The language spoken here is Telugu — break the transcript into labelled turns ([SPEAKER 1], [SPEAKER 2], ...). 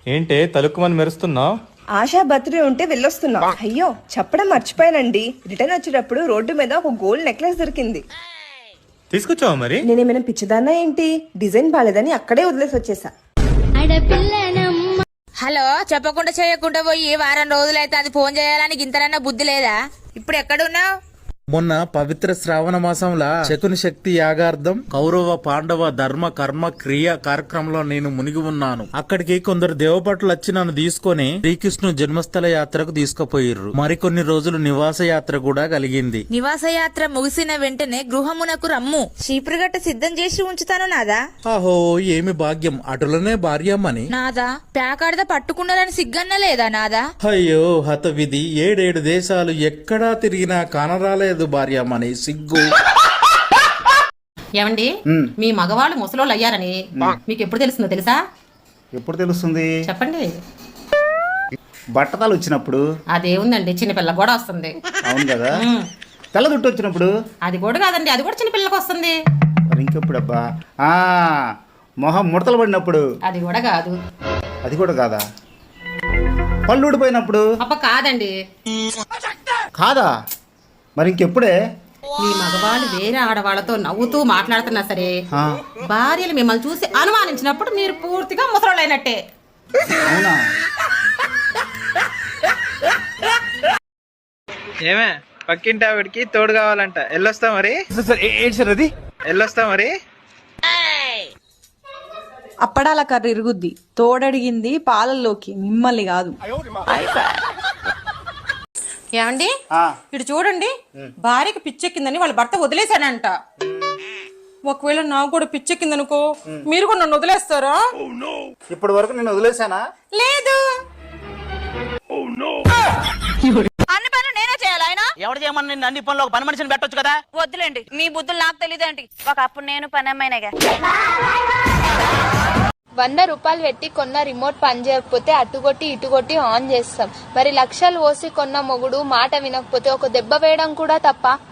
[SPEAKER 1] ఏంటే తలుక్కుమని మెరుస్తున్నావు?
[SPEAKER 2] ఆశా బర్త్డే ఉంటే వెళ్ళొస్తున్నా. అయ్యో చెప్పడం మర్చిపోయానండి, రిటర్న్ వచ్చేటప్పుడు రోడ్డు మీద ఒక గోల్డ్ నెక్లెస్ దొరికింది.
[SPEAKER 1] తీసుకొచ్చావా మరి?
[SPEAKER 2] నేనేమైనా పిచ్చిదాన్నా ఏంటి, డిజైన్ బాలేదని అక్కడే వదిలేసి వచ్చేసా.
[SPEAKER 3] హలో, చెప్పకుండా చేయకుండా పోయి వారం రోజులైతే అది ఫోన్ చేయాలని గింతనన్నా బుద్ధి లేదా? ఇప్పుడు ఎక్కడున్నావు?
[SPEAKER 4] మొన్న పవిత్ర శ్రావణ మాసంలా శకుని శక్తి యాగార్థం కౌరవ పాండవ ధర్మ కర్మ క్రియ కార్యక్రమంలో నేను మునిగి ఉన్నాను. అక్కడికి కొందరు దేవపట్లు వచ్చి నన్ను తీసుకొని శ్రీకృష్ణు జన్మస్థల యాత్రకు తీసుకుపోయిర్రు. మరికొన్ని రోజులు నివాస యాత్ర కూడా కలిగింది.
[SPEAKER 3] నివాస యాత్ర ముగిసిన వెంటనే గృహమునకు రమ్ము, చీపురుగట్ట సిద్ధం చేసి ఉంచుతాను నాదా.
[SPEAKER 4] ఆహో ఏమి భాగ్యం, అటులనే భార్యమ్మని.
[SPEAKER 3] నాదా ప్యాకాడద పట్టుకున్నారని సిగ్గన్న లేదా నాదా?
[SPEAKER 4] అయ్యో హత విధి, 7 దేశాలు ఎక్కడా తిరిగినా కానరాలేదు భార్యమ్మని, సిగ్గు.
[SPEAKER 5] ఏమండి, మీ మగవాళ్ళు ముసలోళ్ళు అయ్యారని మీకు ఎప్పుడు తెలుస్తుందో తెలుసా?
[SPEAKER 6] ఎప్పుడు తెలుస్తుంది
[SPEAKER 5] చెప్పండి.
[SPEAKER 6] బట్టతలు వచ్చినప్పుడు.
[SPEAKER 5] అదేముందండి, చిన్నపిల్ల కూడా వస్తుంది.
[SPEAKER 6] అవును కదా. తెల్ల జుట్టు వచ్చినప్పుడు.
[SPEAKER 5] అది కూడా కాదండి, అది కూడా చిన్నపిల్లకి వస్తుంది.
[SPEAKER 6] మరి ఇంకెప్పుడు అబ్బా, మొహం ముడతలు పడినప్పుడు.
[SPEAKER 5] అది కూడా కాదు.
[SPEAKER 6] అది కూడా కాదా? పళ్ళు ఊడిపోయినప్పుడు.
[SPEAKER 5] అబ్బా కాదండి.
[SPEAKER 6] కాదా? మరి ఇంకెప్పుడే?
[SPEAKER 5] మీ మగవాళ్ళు వేరే ఆడవాళ్ళతో నవ్వుతూ మాట్లాడుతున్నా సరే, భార్యలు మిమ్మల్ని చూసి అనుమానించినప్పుడు మీరు పూర్తిగా ముసలోళ్ళు అయినట్టే.
[SPEAKER 6] అవునా?
[SPEAKER 7] ఏమే పక్కింటి ఆవిడికి తోడు కావాలంట, ఎల్లొస్తా మరి? ఎల్లొస్తా మరి?
[SPEAKER 8] అప్పడాల కర్ర ఇరుగుద్ది, తోడడిగింది పాలల్లోకి, మిమ్మల్ని కాదు.
[SPEAKER 5] ఏమండి, ఇటు చూడండి, భార్యకి పిచ్చెక్కిందని వాళ్ళ భర్త వదిలేశానంట. ఒకవేళ నాకు కూడా పిచ్చెక్కిందనుకో, మీరు కూడా నన్ను వదిలేస్తారా?
[SPEAKER 6] ఇప్పటి వరకు నేను వదిలేశానా?
[SPEAKER 5] లేదు.
[SPEAKER 3] అన్ని పనులు నేనే చేయాలి. ఆయన
[SPEAKER 9] ఎవరు చేయమని నిన్ను అన్ని పనులు ఒక పని మనిషిని పెట్టొచ్చు కదా.
[SPEAKER 3] వద్దులేండి, మీ బుద్ధులు నాకు తెలియదేంటి. ఒకప్పుడు నేను పని అమ్మాయినగా.
[SPEAKER 10] 100 రూపాయలు పెట్టి కొన్న రిమోట్ పని చేయకపోతే అటుగొట్టి ఇటుగొట్టి ఆన్ చేస్తాం. మరి లక్షలు పోసి కొన్న మొగుడు మాట వినకపోతే ఒక దెబ్బ వేయడం కూడా తప్ప?